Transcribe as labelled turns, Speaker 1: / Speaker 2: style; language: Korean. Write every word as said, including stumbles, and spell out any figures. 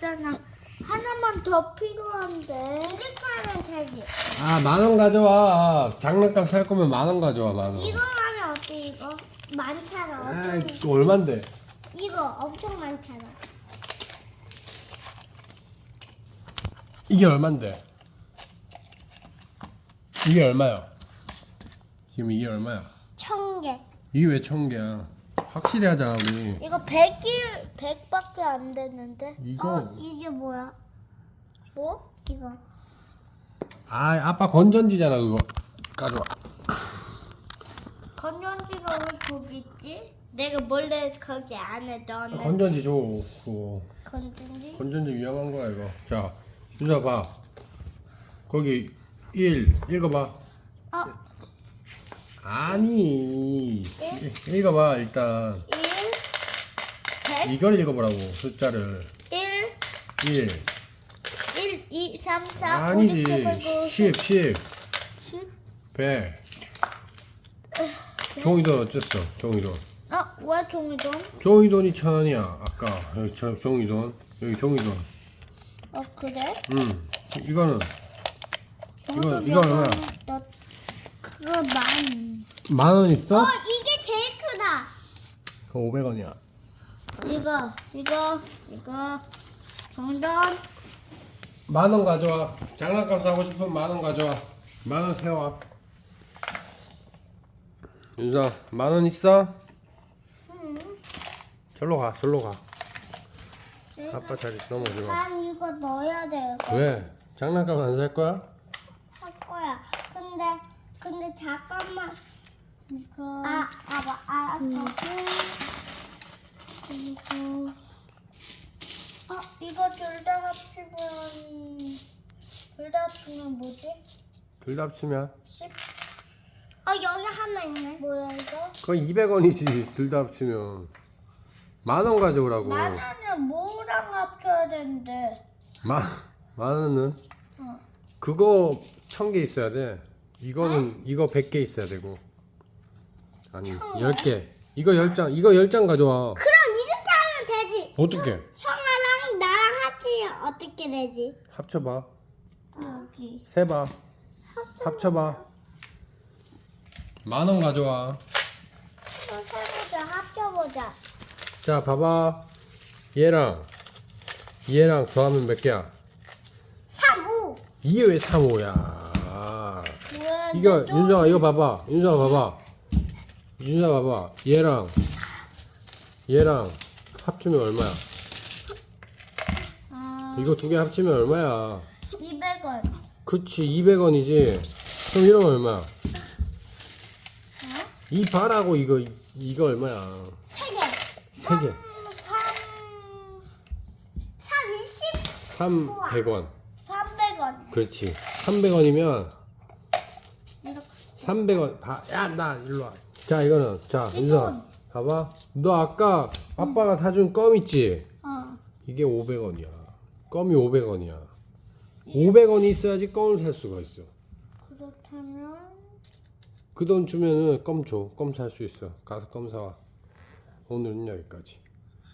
Speaker 1: 없잖아. 하나만 더 필요한데. 이렇게 하면 되지.
Speaker 2: 아, 만 원 가져와. 장난감 살 거면 만 원 가져와, 만 원.
Speaker 1: 이거 하면 어때 이거? 많잖아.
Speaker 2: 아,
Speaker 1: 엄청.
Speaker 2: 이거 얼만데?
Speaker 1: 이거 엄청 많잖아.
Speaker 2: 이게 얼만데? 이게 얼마야? 지금 이게 얼마야?
Speaker 1: 천 개.
Speaker 2: 이게 왜 천 개야? 확실히 하자, 우리.
Speaker 1: 이거 백이 백밖에 안 됐는데.
Speaker 2: 이거.
Speaker 1: 어, 이게 뭐야? 뭐? 이거.
Speaker 2: 아, 아빠 건전지잖아, 그거. 가져와.
Speaker 1: 건전지가 왜 거기 있지? 내가 몰래 거기 안에 넣었는데.
Speaker 2: 건전지 줘, 그거.
Speaker 1: 건전지?
Speaker 2: 건전지 위험한 거야, 이거. 자, 윤서 봐. 거기 일 읽어봐.
Speaker 1: 어,
Speaker 2: 아니, 읽어봐 일단.
Speaker 1: 일, 백,
Speaker 2: 이걸 읽어보라고, 숫자를.
Speaker 1: 일,
Speaker 2: 일.
Speaker 1: 일, 이, 삼, 사, 오,
Speaker 2: 아니지.
Speaker 1: 육, 칠, 팔, 구,
Speaker 2: 십, 십,
Speaker 1: 십.
Speaker 2: 백. 종이돈 어쨌어, 종이돈.
Speaker 1: 아, 왜 종이돈?
Speaker 2: 종이돈이 천 원이야, 아까. 여기 저, 종이돈. 여기 종이돈.
Speaker 1: 어, 그래?
Speaker 2: 응. 이거는, 이거,
Speaker 1: 종이돈
Speaker 2: 이거 얼마야?
Speaker 1: 너, 그거 만.
Speaker 2: 만 원 있어?
Speaker 1: 어, 이게 제일 크다.
Speaker 2: 그거 오백 원이야.
Speaker 1: 이거, 이거, 이거. 종이돈.
Speaker 2: 만 원 가져와. 장난감 사고 싶으면 만 원 가져와. 만 원 세워. 윤서, 만 원 있어?
Speaker 1: 응.
Speaker 2: 절로 가, 절로 가. 아빠 자리 넘어지 마.
Speaker 1: 난 이거 넣어야 돼.
Speaker 2: 왜? 장난감 안 살 거야?
Speaker 1: 할 거야. 근데 근데 잠깐만. 이거 아, 아봐, 알았어. 그리고 어, 이거 둘 다 합치면 둘 다 합치면 뭐지?
Speaker 2: 둘 다 합치면?
Speaker 1: 십. 어, 여기 하나 있네. 뭐야 이거?
Speaker 2: 그거 이백 원이지, 둘 다 합치면. 만 원 가져오라고.
Speaker 1: 만 원은 뭐랑 합쳐야 되는데?
Speaker 2: 만, 만 원은?
Speaker 1: 어.
Speaker 2: 그거 천 개 있어야 돼. 이거는, 이거 백 개 있어야 되고. 아니,
Speaker 1: 천
Speaker 2: 열 개. 이거 열 장, 이거 열 장 가져와.
Speaker 1: 그럼 이렇게 하면 되지.
Speaker 2: 어떻게?
Speaker 1: 형아랑 나랑 합치면 어떻게 되지?
Speaker 2: 합쳐봐.
Speaker 1: 여기.
Speaker 2: 세봐.
Speaker 1: 합쳐.
Speaker 2: 합쳐봐. 만 원 가져와.
Speaker 1: 해보자, 합쳐보자.
Speaker 2: 자, 봐봐. 얘랑 얘랑 더하면 몇 개야?
Speaker 1: 삼, 오.
Speaker 2: 이게 왜 삼, 오야?
Speaker 1: 뭐야,
Speaker 2: 이거
Speaker 1: 또
Speaker 2: 윤서아 이거 봐봐. 윤서아 봐봐. 윤서아 봐봐. 얘랑 얘랑 합치면 얼마야?
Speaker 1: 아,
Speaker 2: 이거 두 개 합치면 얼마야?
Speaker 1: 이백 원.
Speaker 2: 그치, 이백 원이지. 그럼 이런 거 얼마야?
Speaker 1: 어?
Speaker 2: 이 바라고 이거 이거 얼마야?
Speaker 1: 세 개.
Speaker 2: 세 개.
Speaker 1: 삼, 삼, 이십,
Speaker 2: 삼, 백 원.
Speaker 1: 삼백 원.
Speaker 2: 그렇지. 삼백 원이면
Speaker 1: 이렇게.
Speaker 2: 삼백 원. 봐. 야, 나 일로 와. 자, 이거는 자, 윤서. 봐봐. 너 아까 아빠가 사준 껌 있지?
Speaker 1: 어.
Speaker 2: 이게 오백 원이야. 껌이 오백 원이야. 오백 원이 있어야지 껌을 살 수가 있어.
Speaker 1: 그렇다면
Speaker 2: 그 돈 주면은 껌 줘. 껌 살 수 있어. 가서 껌 사와. 오늘은 여기까지.